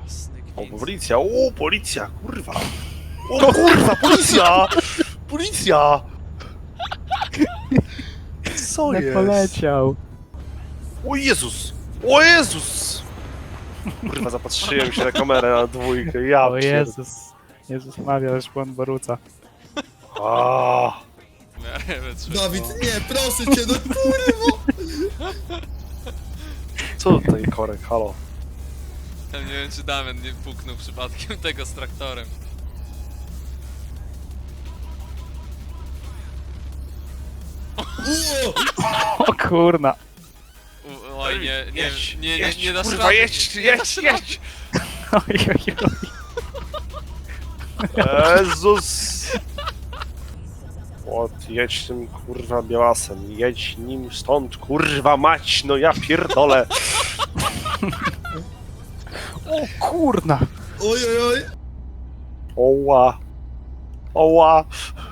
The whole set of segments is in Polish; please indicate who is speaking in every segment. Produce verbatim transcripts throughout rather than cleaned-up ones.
Speaker 1: Jasny
Speaker 2: O,
Speaker 1: gwint.
Speaker 2: policja, o, policja, kurwa. O kurwa, policja! Policja! Co
Speaker 3: Nie
Speaker 2: jest?
Speaker 3: poleciał.
Speaker 2: O Jezus! O Jezus! Kurwa, zapatrzyłem się na kamerę na dwójkę, ja
Speaker 3: O
Speaker 2: pierd-
Speaker 3: Jezus. Jezus Maria, też błąd Boruca.
Speaker 2: A,
Speaker 1: W miarę wytrzymał.
Speaker 4: Dawid, nie, proszę cię, no kurwa!
Speaker 2: co tutaj korek, halo?
Speaker 1: Ja nie wiem, czy Damian nie puknął przypadkiem tego z traktorem.
Speaker 4: Uuu!
Speaker 3: O kurna.
Speaker 1: U, oj, nie, nie,
Speaker 2: jedź,
Speaker 1: nie, nie,
Speaker 2: jedź,
Speaker 1: nie dasz
Speaker 2: kurwa,
Speaker 1: rady.
Speaker 2: jedź,
Speaker 1: nie
Speaker 2: jedź,
Speaker 1: dasz rady.
Speaker 2: jedź!
Speaker 3: Oj, oj, oj.
Speaker 2: Jezus! O, jedź tym kurwa białasem, jedź nim stąd, kurwa mać, no ja pierdolę!
Speaker 3: O kurna.
Speaker 4: Oj, oj, oj!
Speaker 2: Oła! Oła!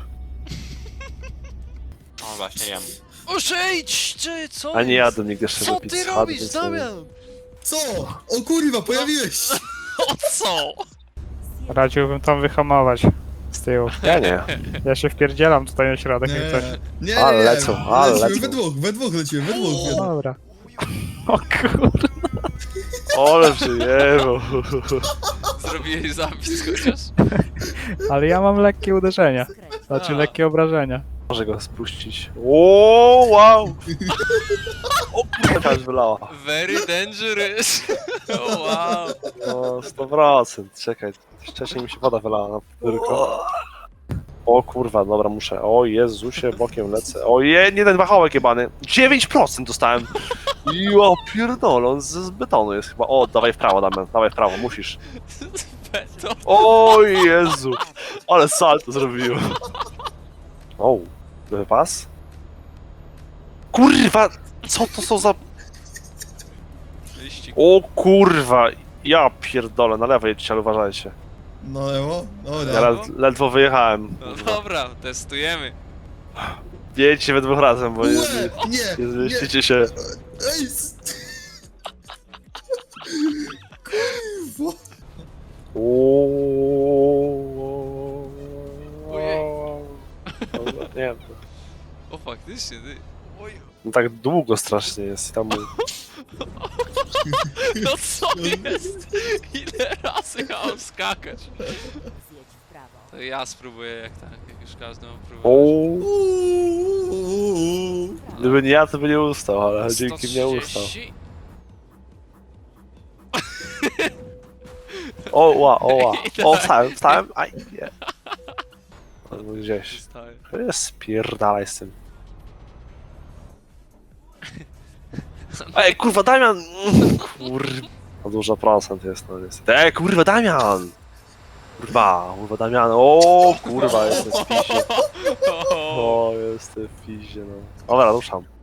Speaker 5: O, właśnie jem.
Speaker 1: Ożejdź! Czy co
Speaker 2: A nie
Speaker 1: jest?
Speaker 2: jadę nigdy jeszcze
Speaker 1: Co
Speaker 2: do
Speaker 1: ty
Speaker 2: Pizzy Hut,
Speaker 1: robisz,
Speaker 2: więc
Speaker 1: Damian?
Speaker 4: Co? O kurwa, pojawiłeś się!
Speaker 1: O co?
Speaker 3: Radziłbym tam wyhamować z tyłu.
Speaker 2: Ja nie.
Speaker 3: Ja się wpierdzielam tutaj na środek, jak coś.
Speaker 4: Nie, nie,
Speaker 2: Ale
Speaker 4: nie,
Speaker 2: lecą, ale
Speaker 4: lecimy
Speaker 2: lecą.
Speaker 4: we dwóch, we dwóch lecimy, we dwóch.
Speaker 3: Dobra. O kurna.
Speaker 2: Ole przyjemno.
Speaker 1: Zrobiłeś zapis chociaż?
Speaker 3: Ale ja mam lekkie uderzenia. Znaczy
Speaker 1: A.
Speaker 3: lekkie obrażenia.
Speaker 2: Może go spuścić. O, wow! O kurwa, aż wylała.
Speaker 1: Very dangerous. O wow.
Speaker 2: No, sto procent. Czekaj, wcześniej mi się woda wylała na podwórko. O kurwa, dobra, muszę. O Jezusie, bokiem lecę. O je, nie ten wachołek jebany. dziewięć procent dostałem. Jo, pierdolę, on z, z betonu jest chyba. O, dawaj w prawo, Damian, dawaj w prawo, musisz.
Speaker 1: Beton.
Speaker 2: O Jezu, ale salto zrobiłem. O, wypas? Kurwa, co to są za...
Speaker 1: Liścik.
Speaker 2: O kurwa, ja pierdolę, na lewo jedźcie, ale uważajcie.
Speaker 4: No emo,
Speaker 2: Ja
Speaker 4: dobra.
Speaker 2: led, ledwo wyjechałem.
Speaker 1: No
Speaker 2: kurwa.
Speaker 1: dobra, testujemy.
Speaker 2: Jedźcie we dwóch razem, bo nie,
Speaker 4: Ue, nie,
Speaker 2: nie
Speaker 4: nie,
Speaker 2: zmieścicie się.
Speaker 4: ej! s- Kurwa!
Speaker 2: Uuuu.
Speaker 1: Ojej.
Speaker 2: Dobra, nie,
Speaker 1: O faktycznie, ty. Oj.
Speaker 2: no tak długo strasznie jest. Tam...
Speaker 1: No co jest? Ile razy ja mam skakać? To ja spróbuję jak tak, jak już każdy ma próbować.
Speaker 2: Uuu.
Speaker 4: Uuu.
Speaker 2: Gdyby nie ja, to by nie ustał, ale dzięki mnie
Speaker 1: sto
Speaker 2: ustał.
Speaker 1: trzydzieści.
Speaker 2: O, ła, o, ła. O, wstałem, wstałem, aj, nie. Albo gdzieś.
Speaker 1: Zostałem.
Speaker 2: Spierdalaj z tym. Ej, kurwa, Damian! Kurwa. No dużo procent jest, no niestety. Ej, kurwa, Damian! Kurwa, kurwa, Damian, o, kurwa, jestem w pizie. O, jestem w pizie, no. Dobra, ruszam.